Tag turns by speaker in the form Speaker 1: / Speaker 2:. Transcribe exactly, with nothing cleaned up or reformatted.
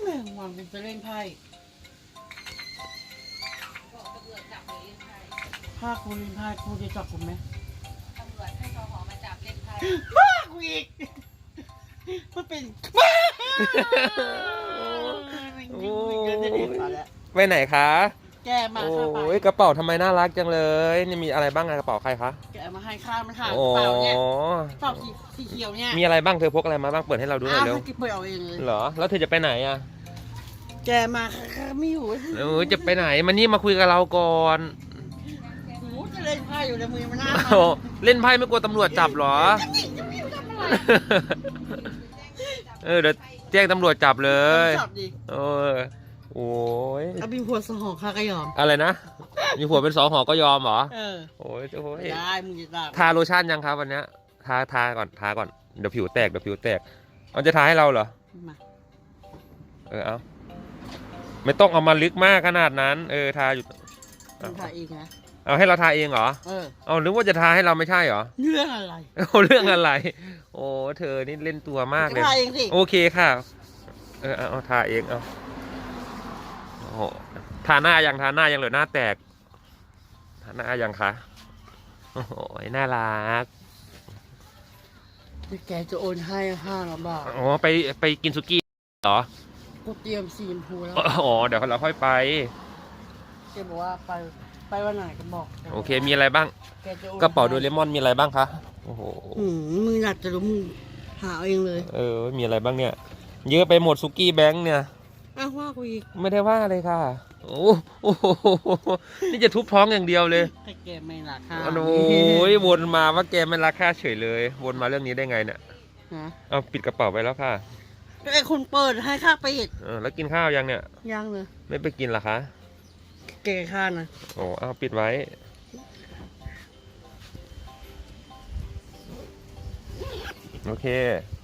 Speaker 1: วันเป็นจะเล่นไพ่ถ้าคุณเล่นไพ่คุณจะจับผมไหม
Speaker 2: ตำรวจให้ทหมาจับเล่นไพ่
Speaker 1: บ้ากูอีกมันเป็นบ้าโอ้ย
Speaker 3: ไปไหนคะ
Speaker 1: แกมาค่ะไป
Speaker 3: โอ้ยกระเป๋าทำไมน่ารักจังเลยนี่มีอะไรบ้างอะกระเป๋าใครคะ
Speaker 1: แกมาให้ข้ามันหากระ
Speaker 3: โอ้
Speaker 1: เป๋าเนี่ยกระเป๋าสีสีเขียวเนี่ย
Speaker 3: มีอะไรบ้างเธอพกอะไรมาบ้างเปิดให้เราดูหน่อย
Speaker 1: อ้าว
Speaker 3: เร็ว
Speaker 1: ให้กิ๊บเปิดเอาเองเลย
Speaker 3: เหรอแล้วเธอจะไปไหนอะ
Speaker 1: แกมาค่ะข้าไม่อยู่
Speaker 3: เออจะไปไหนมานี่มาคุยกับเราก่อน
Speaker 1: โอ้จะเล่นไพ่อยู่ในมือมันน่า
Speaker 3: โอ้เล่นไพ่ไม่กลัวตำรวจจับเหรอ
Speaker 1: จะไม่ทำอะไร
Speaker 3: เออเดี๋ยวแจ้งตำรวจจับเลย
Speaker 1: จับดิ
Speaker 3: เออโอ้ย
Speaker 1: เอาบินหัวสหองข้าก็ยอม
Speaker 3: อะไรนะมีผัวเป็นสองหอก็ยอมเหรอ
Speaker 1: เออ
Speaker 3: โอ้ยโอ้ย
Speaker 1: ได้มึงจะได้
Speaker 3: ทาโลชั่นยังครับวันเนี้ยทาทาก่อนทาก่อนเดี๋ยวผิวแตกเดี๋ยวผิวแตกเอาจะทาให้เราเหรอ
Speaker 1: มา
Speaker 3: เออเอาไม่ต้องเอามาลึกมากขนาดนั้น เออทาอยู่
Speaker 1: มึงถ่ายเองนะ
Speaker 3: เอาให้เราทาเองเหรอ
Speaker 1: เออ
Speaker 3: เอาหรือว่าจะทาให้เราไม่ใช่เหรอ
Speaker 1: เรื่องอะไร
Speaker 3: เอาเรื่องอะไร โอ้เธอนี่เล่นตัวมากเลย
Speaker 1: ถ่ายเองสิ
Speaker 3: โอเคค่ะเออเอาเอาทาเองเอาโอ้โหทาหน้ายังทาหน้ายังเหลือหน้าแตกทาหน้ายังคะโอ้โหน่ารัก
Speaker 1: เดี๋ยวแกจะโอนให้ห้าร้อยบาท
Speaker 3: อ๋อไปไปกินสุกี้เหรอ
Speaker 1: กูเตรียมสีชมพูแล้ว
Speaker 3: อ๋อเดี๋ยวเราค่อยไป
Speaker 1: แกบอกว่าไปไปวันไหนก็บอก
Speaker 3: โอเคมีอะไรบ้าง
Speaker 1: แกจะโอน
Speaker 3: กระเป๋าโดเรมอนมีอะไรบ้างคะโอ้โห
Speaker 1: หืมมึงอยากจะรู้มึงหาเอาเองเลย
Speaker 3: เออมีอะไรบ้างเนี่ยเยอะไปหมดสุกี้แบงค์เนี่ย
Speaker 1: อ้าวว่ากูอีก
Speaker 3: ไม่ได้ว่าเลยค่ะโอ้โอ้โหนี่จะทุบท้องอย่างเดียวเลย
Speaker 1: ให้แกไม่ราคา
Speaker 3: โอ้ยวนมาว่าแกไม่รักค่าเฉยเลย วนมาเรื่องนี้ได้ไงเนี่ย
Speaker 1: ฮะ
Speaker 3: เอาปิดกระเป๋าไปแล้วค่ะ
Speaker 1: ก็ไอ้คนเปิดให้ค่าไปอีก
Speaker 3: เออแล้วกินข้าวยังเนี่ย
Speaker 1: ยังเลย
Speaker 3: ไม่ไปกินเหรอคะ
Speaker 1: แกค่านะ
Speaker 3: โอ้เอาปิดไว้โอเค